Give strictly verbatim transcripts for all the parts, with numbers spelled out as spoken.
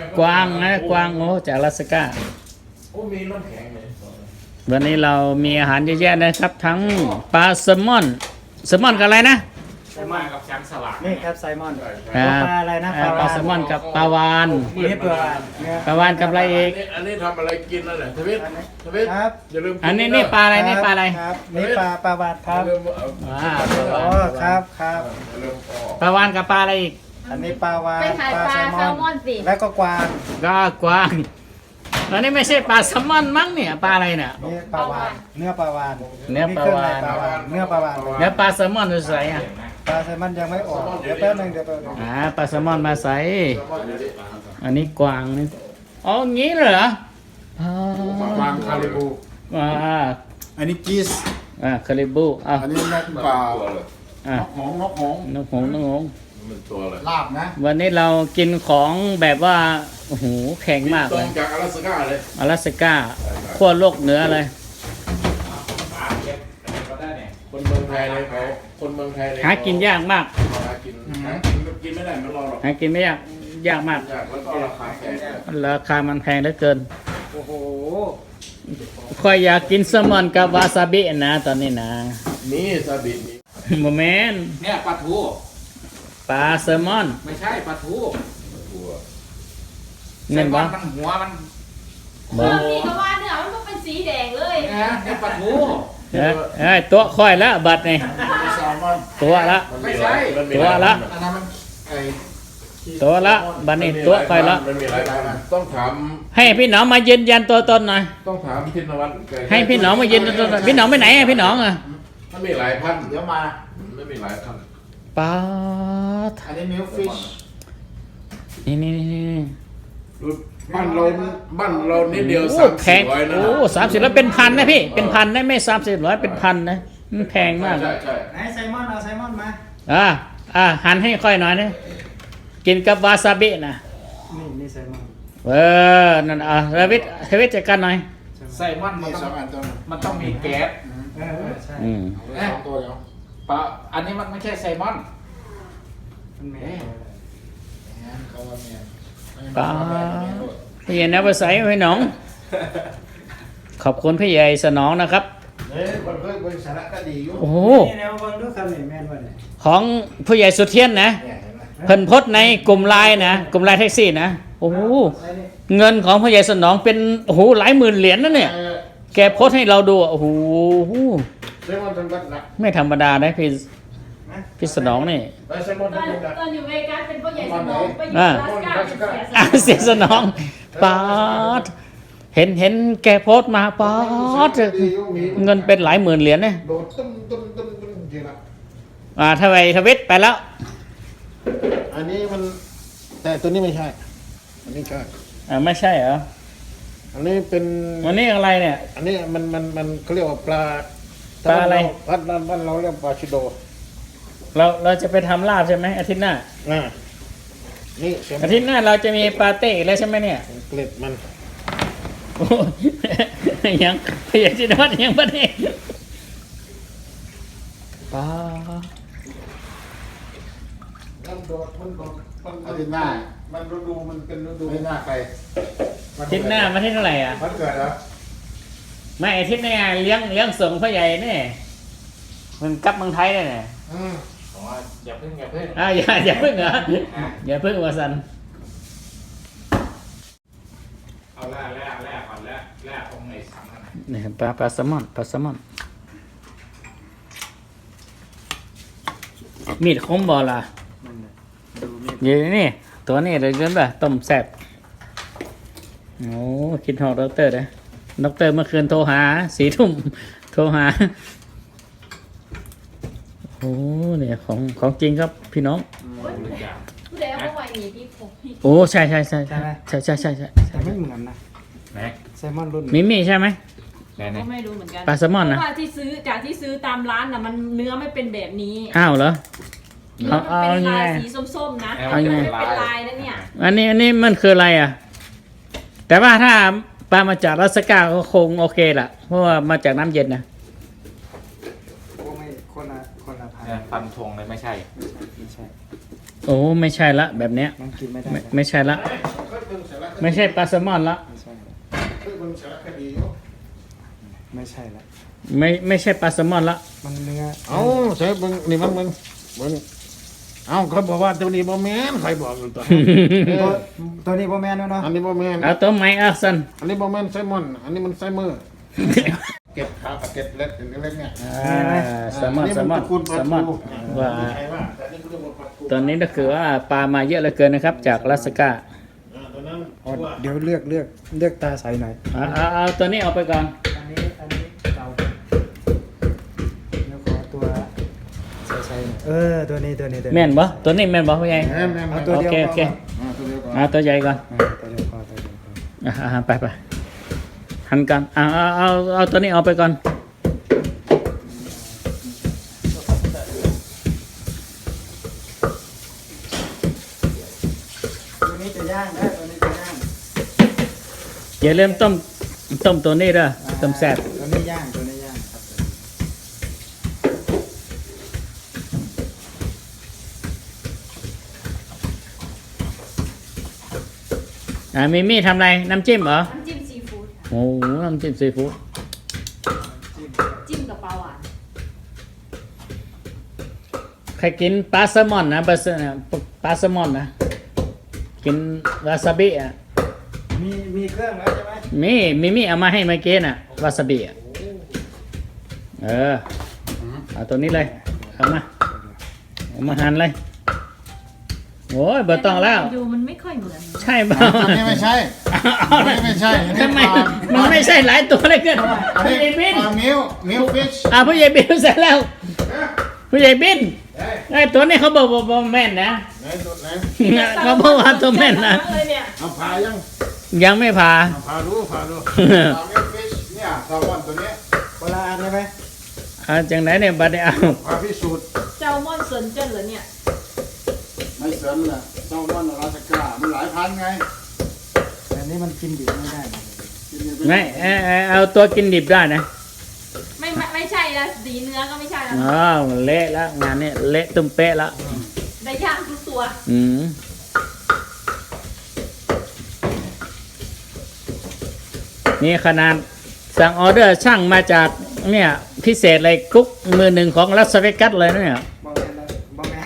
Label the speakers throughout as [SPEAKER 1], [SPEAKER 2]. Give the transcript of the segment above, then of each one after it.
[SPEAKER 1] กวางนะกวางโอ้จากอลาสก้า
[SPEAKER 2] โอ้มีน้ำแข็งเลย
[SPEAKER 1] วันนี้เรามีอาหารเยอะแยะนะครับ ทั้งปลาแซลมอนแซลมอนกับอะไรนะ
[SPEAKER 3] ไซมอนกับแชมป์สลัด
[SPEAKER 4] นี่ครับไซมอน
[SPEAKER 1] อ่า
[SPEAKER 4] ปลาอะไรนะ
[SPEAKER 1] อ่าปลาแซลมอนกับปลาวาน
[SPEAKER 4] นี่ปลาวานเนื้อ
[SPEAKER 1] ปลาวานกับอะไรอีก
[SPEAKER 2] อันนี้ทำอะไรกินนั่นแหละทวิตทวิต
[SPEAKER 4] ครับ
[SPEAKER 2] อย่าลืม
[SPEAKER 1] อันนี้นี่ปลาอะไรนี่ปลาอะไร
[SPEAKER 4] ครับนี่ปลาปลาวานครับ
[SPEAKER 2] อย่าลืมเอา
[SPEAKER 1] อ่าปลาวา
[SPEAKER 4] อ๋
[SPEAKER 1] น
[SPEAKER 4] อครับครับ
[SPEAKER 2] อย่าลืมออก
[SPEAKER 1] ปลาวานกับปลาอะไรอีก
[SPEAKER 4] อันนี้ปลาวาน
[SPEAKER 5] ไปขายปลาแซลมอนสิ
[SPEAKER 4] แล้วก็กวาง
[SPEAKER 1] ก็กวางอันนี้ไม่ใช่ปลาแซลมอนมั้งเนี่ยปลาอะไรเนี่ย
[SPEAKER 4] นี่ปลาวานเนื้อปลาวาน
[SPEAKER 1] เนื้อปลาวาฬ
[SPEAKER 4] เครื่องในปลาวานเนื้อปลาวาน
[SPEAKER 1] เนื้อปลาแซลมอนดูใส่อ่ะ
[SPEAKER 4] ปลาไซมอนยังไม่ออกเดี๋ยวแป๊บนึงเดี๋ยวแป๊บนึง
[SPEAKER 1] อ่าปลาแซลมอนมาใส่อันนี้กวางนี่อ๋องี้เหรออ๋อ
[SPEAKER 3] วางคาริบู
[SPEAKER 1] อ่า
[SPEAKER 3] อันนี้กีส
[SPEAKER 1] อ่าคาริบูอ่ะ
[SPEAKER 3] อันนี้นกเปล่า
[SPEAKER 1] อ่ะ
[SPEAKER 3] นกหงส์นกหงส์
[SPEAKER 1] นกหงส์นกหงส์
[SPEAKER 2] มันตัวอะไร
[SPEAKER 3] ลาบนะ
[SPEAKER 1] วันนี้เรากินของแบบว่าโอ้โหแข็งมาก
[SPEAKER 2] ตร
[SPEAKER 1] เล
[SPEAKER 2] ง
[SPEAKER 1] ย
[SPEAKER 2] จากอลาสก้าเลย
[SPEAKER 1] อลาสก้าขั้วโลกเหนือเลย
[SPEAKER 2] คนเมืองไทยเลยเขาคนเมืองไทยเลย
[SPEAKER 1] หากินยากมาก
[SPEAKER 2] หากินหากินกินไม่ได้ไม่รอหรอก
[SPEAKER 1] หากินไม่ยากยากมาก
[SPEAKER 2] ยากแล้วก็ราคาแพง
[SPEAKER 1] ราคามันแพงเหลือเกิน
[SPEAKER 4] โอ้โห
[SPEAKER 1] ค่อยอยากกินแซลมอนกับวาซาบินะตอนนี้นะ
[SPEAKER 2] นี่ซาบินี่
[SPEAKER 1] โมเมน
[SPEAKER 3] เนี่ยปลาทู
[SPEAKER 1] ปลาแซลมอน
[SPEAKER 3] ไม่ใช่ปลาทู
[SPEAKER 2] ตัว
[SPEAKER 1] เน่น
[SPEAKER 3] ไซมอ
[SPEAKER 1] วะ
[SPEAKER 3] มันหัวมัน
[SPEAKER 5] เออพี่ก็ว่าเนื้อมันก็เป็นสีแดงเลย
[SPEAKER 3] นะนี่ปลาทู
[SPEAKER 1] เอ้ยเอ้ยตัวค่อยละบัดนี่
[SPEAKER 3] แซลมอน
[SPEAKER 1] ตัวละ
[SPEAKER 2] มันมีหลายมันมี
[SPEAKER 1] ตัว
[SPEAKER 2] หาย
[SPEAKER 1] ละ
[SPEAKER 3] อันนั้นมันไอ
[SPEAKER 1] ตัวละบัดนี้ตัวค่อยละ
[SPEAKER 2] มันมีหลายพันธุ์ต้องถาม
[SPEAKER 1] ให้พี่หนองมายืนยันตัวตนหน่อย
[SPEAKER 2] ต้องถามพินวัตรแก
[SPEAKER 1] ให้พี่หนองมายืนยันตัวตนพี่หนองไปไหนอะพี่หนองอะ
[SPEAKER 2] มันมีหลายพันธุ์
[SPEAKER 3] เดี๋ยวมา
[SPEAKER 2] ไม่มีหลายพันธุ์
[SPEAKER 1] ปลาด
[SPEAKER 3] อันนี้มิลฟิช
[SPEAKER 1] นี่นี่นี่นี่
[SPEAKER 2] ดูบ้านเราบ้านเรานิดเดียว
[SPEAKER 1] โอ้
[SPEAKER 2] สาม
[SPEAKER 1] แพ
[SPEAKER 2] สี่
[SPEAKER 1] ง
[SPEAKER 2] ร้อยนะ
[SPEAKER 1] โอ้สามสิบแล้วเป็นพันนะพี่เป็นพันนะไม่สามสิบร้อยเป็นพันนะมันแพงมาก
[SPEAKER 2] ใช่ใช่
[SPEAKER 4] ไหนไซมอนเอาไซมอนมา
[SPEAKER 1] อ่าอ่าหันให้ค่อยหน่อยนะกินกับวาซาบินะ
[SPEAKER 4] นี่นี่ไซมอน
[SPEAKER 1] เออนั่นอ่ะเทวิทเทวิทจัดการหน่อย
[SPEAKER 3] ไซมอนมัน
[SPEAKER 4] นี่ส
[SPEAKER 3] ต้
[SPEAKER 4] อ
[SPEAKER 3] อง ง
[SPEAKER 4] อันตัวนึง
[SPEAKER 3] มันต้องมีแก๊ส
[SPEAKER 4] เออเออใช่
[SPEAKER 1] อืม
[SPEAKER 3] สองตัวเดียวปลาอันนี้มันไม่ใช่ไซมอน
[SPEAKER 4] มันแม่
[SPEAKER 3] เขาว่าเมีย
[SPEAKER 1] ปลาพี่ใหญ่นะภาษาพี่หนอง ขอบคุณพี่ใหญ่สนองนะครับ
[SPEAKER 3] เฮ้ยมันก็เป็นสาระก็ดีอยู่
[SPEAKER 1] โอ้โห
[SPEAKER 4] นี่แนวบอลดูครับนี่แม่นว่าเนี่ย
[SPEAKER 1] ของผู้ใหญ่สุเทียนนะ
[SPEAKER 3] เนี่ยเห็นไหม
[SPEAKER 1] เพิ่นโพสต์ในกลุ่มไลน์นะกลุ่มไลน์แท็กซี่นะโอ้โห
[SPEAKER 4] อะไรนี่
[SPEAKER 1] เงินของผู้ใหญ่สนองเป็นโอ้โหหลายหมื่นเหรียญนะเนี่ย
[SPEAKER 3] เออ
[SPEAKER 1] แกโพสต์ให้เราดูอ่ะโอ้โห
[SPEAKER 3] ไซมอนเป็นบัตรนะ
[SPEAKER 1] ไม่ธรรมดานะพี่พี่สนองนี่
[SPEAKER 3] ไซมอน
[SPEAKER 5] ตอน
[SPEAKER 3] เป็นบัตร
[SPEAKER 5] ตอนอยู่เวกัสเป็นพ่อใหญ่สมองไปอยู่
[SPEAKER 1] อ่า
[SPEAKER 5] ลาสก้าเป็นเสียส
[SPEAKER 1] อ่ะ
[SPEAKER 5] ละ
[SPEAKER 1] เสียสนองปาดเห็นเห็นแกโพสต์มาปาดเงินเป็นหลายหมื่นเหรียญเนี่ย
[SPEAKER 3] โดดตุ้มตุ้มตุ้มตุ้มจริงนะ
[SPEAKER 1] อ่าทวีทวิตไปแล้ว
[SPEAKER 3] อันนี้มันแต่ตัวนี้ไม่ใช่ อันนี้ใช่
[SPEAKER 1] อ่าไม่ใช่เหรอ
[SPEAKER 3] อันนี้เป็น
[SPEAKER 1] วันนี้อะไรเนี่ย
[SPEAKER 3] อันนี้มันมันมันเขาเรียกว่าปลา
[SPEAKER 1] ปลาอะไร
[SPEAKER 3] บ้านเราบ้านเราเรียกปลาชิโด
[SPEAKER 1] เราเราจะไปทำลาบใช่ไหมอาทิตย์หน้า
[SPEAKER 3] อ่านี่เสียง
[SPEAKER 1] อาทิตย์หน้าเราจะมีปาเต้อีกแล้วใช่ไหมเนี่ย
[SPEAKER 3] เกล็ดมัน
[SPEAKER 1] โอ้ยยังพยายจิตวัดยังประเด็นปา
[SPEAKER 3] มันโดดมันโดดมันอาทิตย์หน้ามันฤดูมันเป็นฤดูไม่หน้าใคร
[SPEAKER 1] อาทิตย์หน้ามาที่เท่าไหร่อ่ะ
[SPEAKER 3] มันเกิดเหรอ
[SPEAKER 1] ไม่อาทิตย์หน้าเลี้ยงเลี้ยงส่งพ่อใหญ่เนี่ยมันกลับเมืองไทยเลยเนี่ย
[SPEAKER 3] อืม
[SPEAKER 2] อ๋ออย่าเพิ่งอย่าเพิ่ง
[SPEAKER 1] อ่าอย่าอย่าเพิ่งเหรออย่าเพิ่งวาสัน
[SPEAKER 3] เอาแร่แร่แร่ก่อนแร่แร่ตรงไหนสังกัน
[SPEAKER 1] นี่ปลาปลาแซลมอนปลาแซลมอนมีดคมบอล่ะ
[SPEAKER 4] นั่นแหละดูนี่
[SPEAKER 1] อยู่นี่ตัวนี้เลยเกินป่ะต้มแซ่บโอ้คิดหอกด็อกเตอร์นะด็อกเตอร์เมื่อคืนโทรหาสี่ทุ่มโทรหาโอ้เนี่ยของของจริงครับพี่น้อง
[SPEAKER 5] ผู้ใดเอาเข้าไปมีพี่ผมพี่
[SPEAKER 1] โอ้ใช่ใช่ใช่ใช่ใช่ใช่ใช่ใช่
[SPEAKER 4] แต่ไม่เหมือนนะ
[SPEAKER 3] ไหน
[SPEAKER 4] ไซมอนรุ่น
[SPEAKER 1] มิมี่ใช่ไหม
[SPEAKER 3] ไหนไหน
[SPEAKER 5] ก็ไม่รู้เหมือนกัน
[SPEAKER 1] ปลาแซลมอนนะ
[SPEAKER 5] เพราะว่าที่ซื้อจากที่ซื้อตามร้านน่ะมันเนื้อไม่เป็นแบบนี้
[SPEAKER 1] อ้าวเหรอ
[SPEAKER 5] เนื้อมันเป็น
[SPEAKER 1] เอา
[SPEAKER 5] ลาย
[SPEAKER 1] เอาไง
[SPEAKER 5] สีส้มๆนะ
[SPEAKER 1] เอาไง
[SPEAKER 5] ไม่เป็นลายนะเนี่ย
[SPEAKER 1] อันนี้อันนี้มันคืออะไรอ่ะ แต่ว่าถ้าปลามาจากรัสกาก็คงโอเคล่ะ เพราะว่ามาจากน้ำเย็นนะ
[SPEAKER 4] โอ้ไม่คนละคนละพัน
[SPEAKER 3] เนี่ยฟันธงเลยไม่ใช่
[SPEAKER 4] ไม่ใช่ไม่ใช่
[SPEAKER 1] โอ้ไม่ใช่ละแบบเนี้ย
[SPEAKER 4] มันกินไม่ได้
[SPEAKER 1] ไม่
[SPEAKER 4] นะ
[SPEAKER 1] ไม่ใช่ละ
[SPEAKER 2] ค่
[SPEAKER 3] เบิ่งสารคดี
[SPEAKER 1] ไม่ใช่ปลาแซลมอนละ
[SPEAKER 4] ไม่ใช่
[SPEAKER 3] เคยเบิ่งสารคดีอยู่
[SPEAKER 4] ไม่ใช่ละ
[SPEAKER 1] ไม่ไม่ใช่ปลาแซลมอนละ
[SPEAKER 4] มันเนื้อ
[SPEAKER 3] เอ้าใช่เบิ่งนี่มันเบิ่งเบิ่งเอ้าเขาบอกว่าตัวนี้บ่แม่นใครบอกอยู่ตัว
[SPEAKER 4] ตัวตัวนี้โบแมนแล้วเนาะ
[SPEAKER 3] อันนี้บ่แม่น
[SPEAKER 1] เอาตัวไม้อาสัน
[SPEAKER 3] อันนี้บ่แม่นไซมอน อันนี้มันไซเมอร์เก็บขาเก็บเล็กเล็กเนี่ย
[SPEAKER 1] อ่าแซลมอนแซลมอน
[SPEAKER 3] ตระกูลป
[SPEAKER 1] แซ
[SPEAKER 3] ลา
[SPEAKER 1] ลมอน
[SPEAKER 3] ทู
[SPEAKER 1] ว่า
[SPEAKER 3] ใช่ว่าแต่นี่เขาเรียกว่าปลาทู
[SPEAKER 1] ตอนนี้ก็คือว่าปลามาเยอะเหลือเกินนะครับ จากลาสก้า
[SPEAKER 3] อ่าตัวนั้น
[SPEAKER 4] อ๋อเดี๋ยวเลือกเลือกเลือกตาใสหน่อย
[SPEAKER 1] เอาเอาเอาตัวนี้เอาไปก่อน
[SPEAKER 4] อันนี้อันนี้เตาแล้วขอตัวใสๆหน่อยเออตัวนี้ตัวนี้ตัวนี้
[SPEAKER 1] แม่นบ่ตัวนี้แม่นบ่พ่อใหญ่
[SPEAKER 3] แม่นแม่น
[SPEAKER 4] เอาตัวเดียว
[SPEAKER 1] โอเคโอเค
[SPEAKER 3] อ่าตัวเดียวก่อน
[SPEAKER 1] เอาตัวใหญ่ก่อน
[SPEAKER 4] อ่าตัวเดียวพอตัวเดียวพอ
[SPEAKER 1] อ่าอ่าไปไปหันกันเอาเอาเอาเอาตัวนี้เอาไปก่อน
[SPEAKER 4] ตัวนี้จะย่างได้ตัวนี้จะย่าง
[SPEAKER 1] อย่าลืมต้มต้มตัวนี้เด้อต้มแซ่บ
[SPEAKER 4] ตัวนี้ย่างตัวนี้ย่างครับ
[SPEAKER 1] อ่ามิมี่ทำอะไรน้ำจิ้มเหรอ
[SPEAKER 5] น้ำจิ้มซีฟู้ดค่ะ
[SPEAKER 1] โอ้โหน้ำจิ้มซีฟู้ด
[SPEAKER 5] จิ้มกับปลาหวาน
[SPEAKER 1] ใครกินปลาแซลมอนนะปลาแซปลาแซลมอนนะกินวาซาบิอ่ะ
[SPEAKER 4] มีมีเครื่องแล้วใช่ไหม
[SPEAKER 1] มีมิมี่เอามาให้เมื่อกี้น่ะวาซาบิอ่ะเออเอาตัวนี้เลยเอามาเอามาหั่นเลยโอ้ยเบอร์ต้องแล้ว
[SPEAKER 5] ดูมันไม่ค่อยเหมือน
[SPEAKER 1] ใช่เปล่า
[SPEAKER 3] อันนี้ไม่ใช่
[SPEAKER 1] เอา
[SPEAKER 3] อันนี้ไม่ใช่อันนี้
[SPEAKER 1] ทำไม
[SPEAKER 3] ปลา
[SPEAKER 1] มันไม่ใช่หลายตัวเลยเกิน
[SPEAKER 3] อัน
[SPEAKER 1] ผู้
[SPEAKER 3] นี้
[SPEAKER 1] ใหญ่บิน
[SPEAKER 3] ปลามิวมิวฟิช
[SPEAKER 1] อ่าผู้ใหญ่บินเสร็จแล้วผู้ใหญ่บินไอ้ตัวนี้เขาบอกว่าบ่แม่นนะ
[SPEAKER 3] ไหนตัวไหน
[SPEAKER 1] เขาบอกว่าตัวแม่นนะ
[SPEAKER 5] เลยเนี่ย
[SPEAKER 3] เอาพายัง
[SPEAKER 1] ยังไม่ผ่า
[SPEAKER 3] เอาพาดูพาดูปลามิวฟิชเนี่ยแซลมอนตัวนี้
[SPEAKER 4] เวลาอันใช่ไหม
[SPEAKER 1] เอาจังไหนเนี่ยบัดนี้เอา
[SPEAKER 3] พาพิสูจน์
[SPEAKER 5] แซลมอนเซินเจิ้นเหรอเนี่ย
[SPEAKER 3] ไม่เสริมแหละแซลมอนราสก้ามันหลายพันไง
[SPEAKER 4] แต่นี้มันกินดิบไม่ได้นะ
[SPEAKER 3] กินอยู่
[SPEAKER 1] ไม่เอาเอาเอาตัวกินดิบได้นะ
[SPEAKER 5] ไม่ไม่ไม่ใช่ละสีเนื้อก็ไม่ใช่ละ
[SPEAKER 1] อ๋อเละแล้วงานนี้เละตุ้มเป๊ะแล้ว
[SPEAKER 5] ได้ย่างทุกตัว
[SPEAKER 1] อืมนี่ขนาดสั่งออเดอร์ช่างมาจากเนี่ยพิเศษเลยกุ๊กมือหนึ่งของลัสเวกัสเลยนะเนี่ย
[SPEAKER 4] บอแมนแล้วบอแมน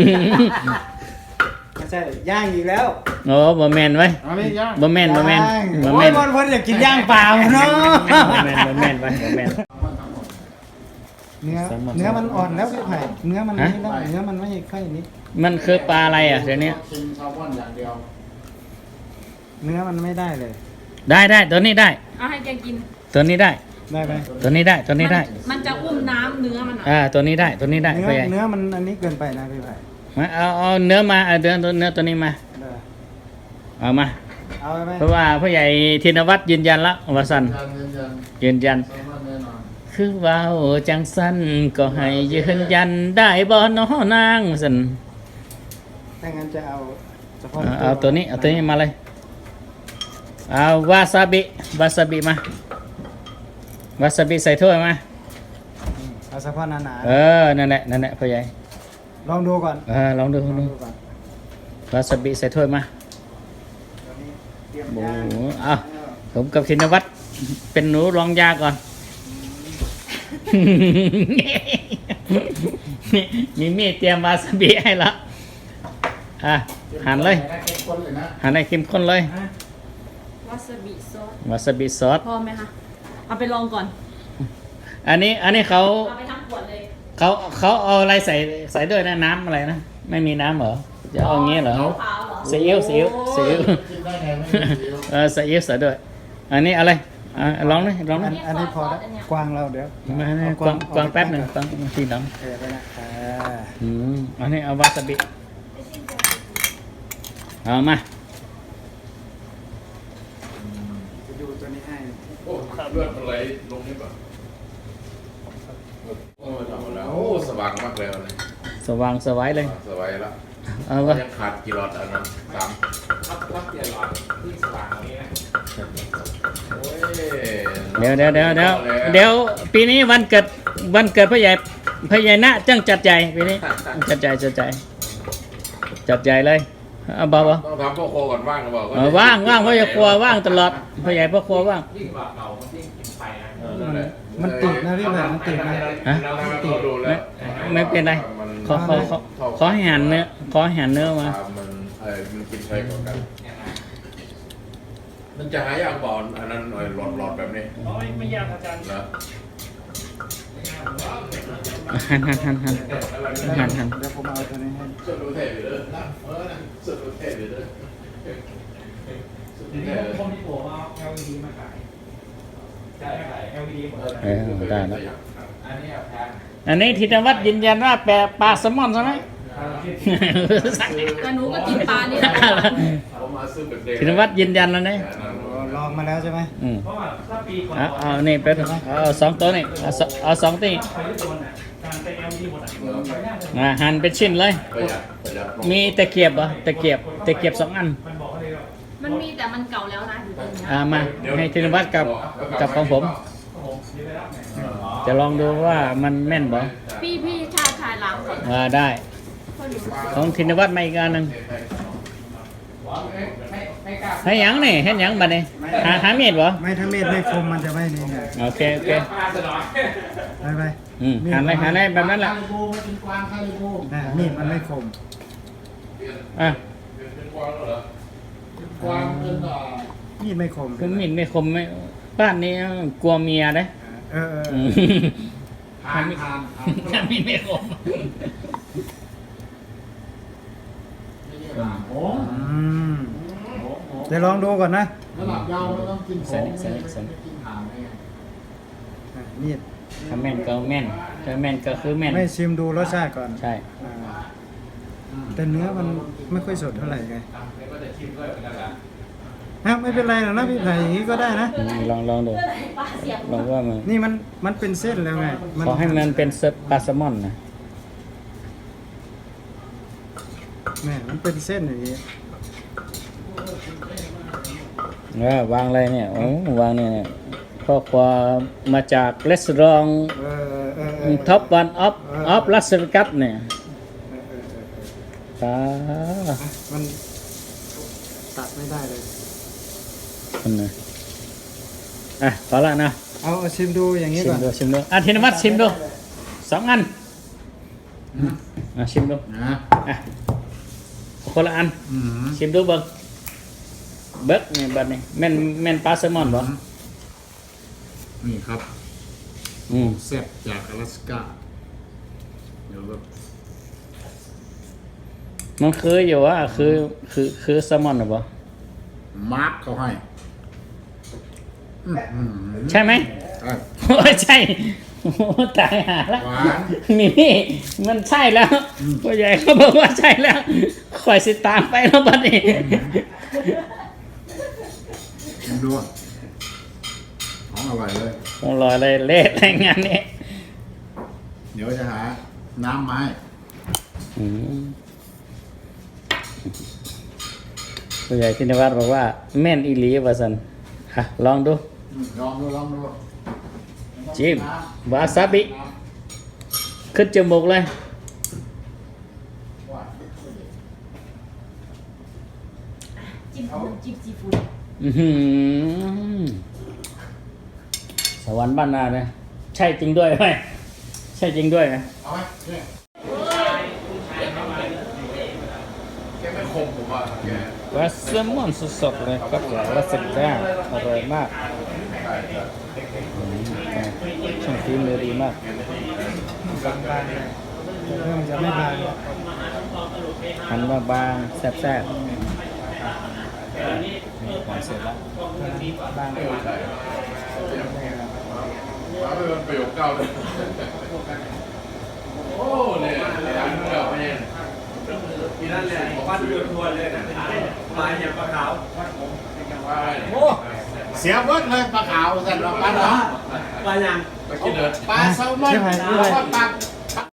[SPEAKER 4] ไม่ใช่ย่างอีกแล้ว
[SPEAKER 1] โอ้บ่แมนไว้
[SPEAKER 3] อันนี้ย่าง
[SPEAKER 1] บ่แมนบ่แมน
[SPEAKER 4] ย่าง
[SPEAKER 1] บ่
[SPEAKER 4] โอ้
[SPEAKER 1] แม
[SPEAKER 4] ย
[SPEAKER 1] น
[SPEAKER 4] บอลบอลอยากกินย่างเปล่าเนาะ
[SPEAKER 1] บ่แมนบ่แมนไว้บ่แมน
[SPEAKER 4] เนื้อ
[SPEAKER 1] แซลมอน
[SPEAKER 4] เนื้อมันอ่อนแล้วพี่ไผ่เนื้อมัน
[SPEAKER 1] ฮะ
[SPEAKER 4] นี่แล้วเนื้อมันไม่ค่อยนี้
[SPEAKER 1] มันคือปลาอะไรอ่ะเดี๋ยวนี้
[SPEAKER 3] ชิมแซลมอนอย่างเดียว
[SPEAKER 4] เนื้อมันไม่ได้เลย
[SPEAKER 1] ได้ได้ตัวนี้ได้
[SPEAKER 5] เอาให้แกกิน
[SPEAKER 1] ตัวนี้ได้
[SPEAKER 4] ได้ไหม
[SPEAKER 1] ตัวนี้ได้ตัวนี้ได้
[SPEAKER 5] มันมันจะอุ้มน้ำเนื้อมันอ่ะ
[SPEAKER 1] อ่าตัวนี้ได้ตัวนี้ได้
[SPEAKER 4] เนื้อ
[SPEAKER 1] ไปใหญ่
[SPEAKER 4] เนื้อมันอันนี้เกินไปนะพี่ไผ่
[SPEAKER 1] มาเอาเอาเนื้อมาเอาเนื้อตัวเนื้อตัวนี้มา
[SPEAKER 4] เด้อ
[SPEAKER 1] เอามา
[SPEAKER 4] เอาไปไหม
[SPEAKER 1] เพราะว่าพ่อใหญ่ธินวัฒน์ยืนยันละว่าสัน
[SPEAKER 3] ยันยันยัน
[SPEAKER 1] ยืนยัน
[SPEAKER 3] แซลมอนแน่นอน
[SPEAKER 1] คือว่าโอ้จังสันก็ให้ยืนยันได้บ่น้อนางสัน
[SPEAKER 4] ถ้างั้นจะเอาเฉพาะ
[SPEAKER 1] เอาเอาตัวนี้เอาตัวนี้มาเลยเอาวาซาบิวาซาบิมาวาซาบิใส่ถ้วยมา
[SPEAKER 4] เอาเฉพาะหนา
[SPEAKER 1] เออนั่นแหละนั่นแหละพ่อใหญ่
[SPEAKER 4] ๆลองดูก่อน
[SPEAKER 1] เออลองดูลอง
[SPEAKER 4] ลอง
[SPEAKER 1] ดู
[SPEAKER 4] ดูก่อน
[SPEAKER 1] วาซาบิใส่ถ้วยมา
[SPEAKER 4] ตัวนี้เตรียม
[SPEAKER 1] โอ้
[SPEAKER 4] ย่าง
[SPEAKER 1] โหเอาผมกับธินวัฒน์เป็นหนูรองยาก่อน มีมีดเตรียมวาซาบิให้ละอ่ะหั่นเลย
[SPEAKER 3] เข้มข้นเลยนะ
[SPEAKER 1] หั่นให้เข้มข้นเลย
[SPEAKER 5] วาซาบิซอส
[SPEAKER 1] วาซาบิซอส
[SPEAKER 5] พอไหมคะเอาไปลองก่อน
[SPEAKER 1] อันนี้อันนี้เขา
[SPEAKER 5] เอาไปทั้งขวดเลย
[SPEAKER 1] เขาเขาเอาอะไรใส่ใส่ด้วยนะน้ำอะไรนะไม่มีน้ำเหรอจะเอาอย่างงี้เหรอ
[SPEAKER 5] ขาวเหรอ
[SPEAKER 1] ซีอิ๊วซีอิ๊วซีอิ๊ว
[SPEAKER 3] กินได้ไงไม่มีซีอิ๊ว
[SPEAKER 1] เออซีอิ๊วใส่ด้วย อันนี้อะไรอ่ะลองเลยลองเล
[SPEAKER 4] อั
[SPEAKER 1] ย
[SPEAKER 4] นอันนี้พอแล้วกวางเราเดี๋ยว
[SPEAKER 1] มาให้
[SPEAKER 4] เอา
[SPEAKER 1] กวางกวางแป๊บหนึ่ง
[SPEAKER 4] เอา
[SPEAKER 1] กวางทีหลัง
[SPEAKER 4] เออไปนะอ่า
[SPEAKER 1] อืมอันนี้เอาวาซาบิเอามา
[SPEAKER 4] จะดูตัวนี้ให้
[SPEAKER 2] โอ้เลือดมันไหลลงนี่ป่ะโอ้ยทำหมดแล้วโอ้สว่างมากเลยวันนี้
[SPEAKER 1] สว่างสวายเลย
[SPEAKER 2] สบายแล้ว
[SPEAKER 1] เอาวะ
[SPEAKER 2] ยังขาดกี่หลอดอันนั้นสามพักพักเปลี่ยนหลอดเพิ่งสว่างตรงนี้นะโอ้ย
[SPEAKER 1] เดี๋ยวเดี๋ยวเดี๋ยวเดี๋ยวเดี๋ยวปีนี้วันเกิดวันเกิดพ่อใหญ่พ่อใหญ่นะจังจัดใหญ่ปีนี้จัดใหญ่จัดใหญ่จัดใหญ่เลยเอาบ่บ่
[SPEAKER 2] ต้องทำพ่อครัวก่อนว่างหรือเปล่า
[SPEAKER 1] เออว่างว่างพ่อใหญ่ครัวว่างตลอดพ่อใหญ่พ่อครัวว่าง
[SPEAKER 2] ยิ่งกว่าเก่ามันยิ่งกินไฟนะ
[SPEAKER 3] เออนั่นแหละ
[SPEAKER 4] มันติดนะพี่แผ่มันติดนะ
[SPEAKER 1] ฮะ
[SPEAKER 2] เราดูแล้
[SPEAKER 1] ไม่
[SPEAKER 2] ว
[SPEAKER 1] ไม่เป็นไรขอขอขอขอให้หันเนื้อขอให้หันเนื้อมา
[SPEAKER 2] มันเออมันกินไฟกว่ากัน มันจะหายากบอลอันนั้นหน่อยหลอดหลอดแบบนี้
[SPEAKER 6] ไม่ไม่ยากอาจารย์
[SPEAKER 2] นะ
[SPEAKER 1] หันหันหันหันหันหัน
[SPEAKER 4] เดี๋ยวผมเอาตัวนี้ให้
[SPEAKER 2] สุดรู้เทพเลยเออสุดรู้เทพเลยสุด
[SPEAKER 6] เดี๋
[SPEAKER 2] รู้
[SPEAKER 6] ยว
[SPEAKER 2] เท
[SPEAKER 6] นี้
[SPEAKER 2] พ
[SPEAKER 6] คนที่โผล่มา แอล อี ดี มาขายใช่ขาย แอล อี ดี หมดเลย
[SPEAKER 1] เออได้แล้ว
[SPEAKER 2] อันนี้แพง
[SPEAKER 1] อันนี้ธินวัฒน์ยืนยันว่าแปลปลาแซลมอนใช่ไหม
[SPEAKER 5] แต่หนูก็กินปลานี่แหละ
[SPEAKER 2] ผมมาซื้อแบบเด็ก
[SPEAKER 1] ธินวัฒน์ยืนยันแล้วนะ
[SPEAKER 4] ลองมาแล้วใช่ไหม
[SPEAKER 1] อืม
[SPEAKER 6] เพราะว่าถ้าปีก่อน
[SPEAKER 1] เอาเอานี่เป็นเอาสองตัวนี่เอาสองเอาสองตี
[SPEAKER 6] ไฟยุโรปน่ะการเป็น แอล อี ดี หมดอ่ะไฟหน้าเลย
[SPEAKER 1] อ่าหั่นเป็นชิ้นเลย
[SPEAKER 2] ประหยัดประหยัด
[SPEAKER 1] มีตะเกียบเหรอตะเกียบตะเกียบสองอัน
[SPEAKER 6] มันบอกว่าเลยว่า
[SPEAKER 5] มันมีแต่มันเก่าแล้วนะอยู่ตรงนี้
[SPEAKER 1] อ่ามาให้ธินวัฒน์กับกับของผม
[SPEAKER 6] ผมเดี๋ยวไปรับไง
[SPEAKER 1] จะลองดูว่ามันแม่นบ่
[SPEAKER 5] พี่พี่ชาชายลาวก่อน
[SPEAKER 1] อ่าได้
[SPEAKER 5] เพราะหนู
[SPEAKER 1] ของธินวัฒน์มาอีกอันหนึงให้หยังนี่ให้หยังบัดนี้หาหามีดบ่
[SPEAKER 4] ไม่ถ้าเม็ดไม่คมมันจะไม่นี่ไง
[SPEAKER 1] โอเคโอเค
[SPEAKER 4] ไปไป
[SPEAKER 1] อืมหันเลยหันเลยแบบนั้นแหละ
[SPEAKER 4] นะมีดมันไม่คม
[SPEAKER 1] อ่ะ
[SPEAKER 4] มีดไม่คม
[SPEAKER 1] คือมีดไม่คมไม่บ้านนี้กลัวเมียเด้
[SPEAKER 4] เออเออ
[SPEAKER 1] อืมถ้ามีถ้ามีดไม่คม
[SPEAKER 4] อืมเดี๋ยวลองดูก่อนนะ
[SPEAKER 3] ระดับยาวไม่ต้องกินข
[SPEAKER 1] ใส่
[SPEAKER 3] อง
[SPEAKER 1] นี่ใส่นี่ใส่นี่
[SPEAKER 3] กินหางไง
[SPEAKER 4] อ่ะมีด
[SPEAKER 1] ถ้าแม่นก็แม่นถ้าแม่นก็คือแม่น
[SPEAKER 4] ไม่ชิมดูรสชาติก่อน
[SPEAKER 1] ใช่
[SPEAKER 4] อ่าแต่เนื้อมันไม่ค่อยสดเท่าไหร่ไง
[SPEAKER 2] ก็จะชิมด้วยเหมือนกันแหละ
[SPEAKER 4] ฮะไม่เป็นไรหรอกนะพี่ไผ่อย่างนี้ก็ได้นะ
[SPEAKER 1] อืมลองลองดู
[SPEAKER 5] ปลาเสียบ
[SPEAKER 1] ลองว่ามัน
[SPEAKER 4] นี่มันมันเป็นเส้นแล้วไง
[SPEAKER 1] ขอให้มันเป็นเซปลาแซลมอนนะ
[SPEAKER 4] แม่มันเป็นเส้นอย่างนี้
[SPEAKER 1] เออวางอะไรเนี่ยโอ้วางเนี่ยเนี่ยข้อความมาจากレストラン
[SPEAKER 4] เออเออเออ
[SPEAKER 1] ท็อปวันออฟออฟลาสเวกัสเนี่ย
[SPEAKER 4] เออเออเออ
[SPEAKER 1] ตา
[SPEAKER 4] มันตัดไม่ได้เลย
[SPEAKER 1] คนน่ะอ่ะพอละนะ
[SPEAKER 4] เอาเอาชิมดูอย่างนี้
[SPEAKER 1] ชิ
[SPEAKER 4] ก่
[SPEAKER 1] ม
[SPEAKER 4] อน
[SPEAKER 1] ดูชิมดูอ่ะธินวัฒน์ชิมดูสองอันอ่ะชิมดู
[SPEAKER 3] นะ
[SPEAKER 1] อ่ะคนละอัน
[SPEAKER 3] อืม
[SPEAKER 1] ชิมดูเบิ้งเบิ้งนี่บัดนี้แม่นแม่นปลาแซลมอนบ่
[SPEAKER 3] นี่ครับ
[SPEAKER 1] อืม
[SPEAKER 3] แซ่บจากอลาสก้าเดี๋ยวแบบ
[SPEAKER 1] มันคืออยู่ว่าคือคือคือแซลมอนหรือเปล่า
[SPEAKER 3] มาร์กเขาให้อื้อหือ
[SPEAKER 1] ใช่ไหม
[SPEAKER 3] ใช่
[SPEAKER 1] โอ้ยใช่โอ้ตายหาละ
[SPEAKER 3] หวาน
[SPEAKER 1] นี่นี่มันใช่แล้วพ่อใหญ่เขาบอกว่าใช่แล้วคอยสิตามไปแล้วบัดนี้
[SPEAKER 3] ชิมดูของอร่อยเลย
[SPEAKER 1] คงรออะไรเละอะไรงานนี้
[SPEAKER 3] เดี๋ยวจะหาน้ำมาให้
[SPEAKER 1] อืมพ่อใหญ่ธินวัฒน์บอกว่าแม่นอีหลีว่าสันอ่ะลองดู
[SPEAKER 3] อืมลองดูลองดู
[SPEAKER 1] จิ้มวาซาบิขึ้นจมูกเลย
[SPEAKER 5] จิ้มน้ำจิ้มซีฟู้ด
[SPEAKER 1] อื้อหือสวรรค์บ้านนาเนี่ยใช่จริงด้วยไหมใช่จริงด้วยไหม
[SPEAKER 3] เอาไหมเนี่ย
[SPEAKER 2] แกไม่คมผมว่าแก
[SPEAKER 1] วาซามอนสดๆเลยครับวาซาบิย่างอร่อยมากอืมช่างฝีมือดีมาก
[SPEAKER 4] เริ่มจะไม่บาง
[SPEAKER 1] หันมาบางแซ่บๆของเสร็จแล้ว
[SPEAKER 4] บาง
[SPEAKER 2] มาเป็นประโยคเก้าเลยโอ้เนี่ยร้านเก่าเนี่ย
[SPEAKER 6] ที่นั่นแหละบ้านเรือนทวนเลยนะปลาอย่างปลาขาว
[SPEAKER 2] ว่า
[SPEAKER 3] โอ้เสียเบิดเลยปลาขาวสั่นว่าปลาหนอง
[SPEAKER 6] ปลาอย่าง
[SPEAKER 2] ไปกินเถอะ
[SPEAKER 3] ปลาแซลมอน
[SPEAKER 4] ใช่ไหม
[SPEAKER 3] แล้วก็ปลา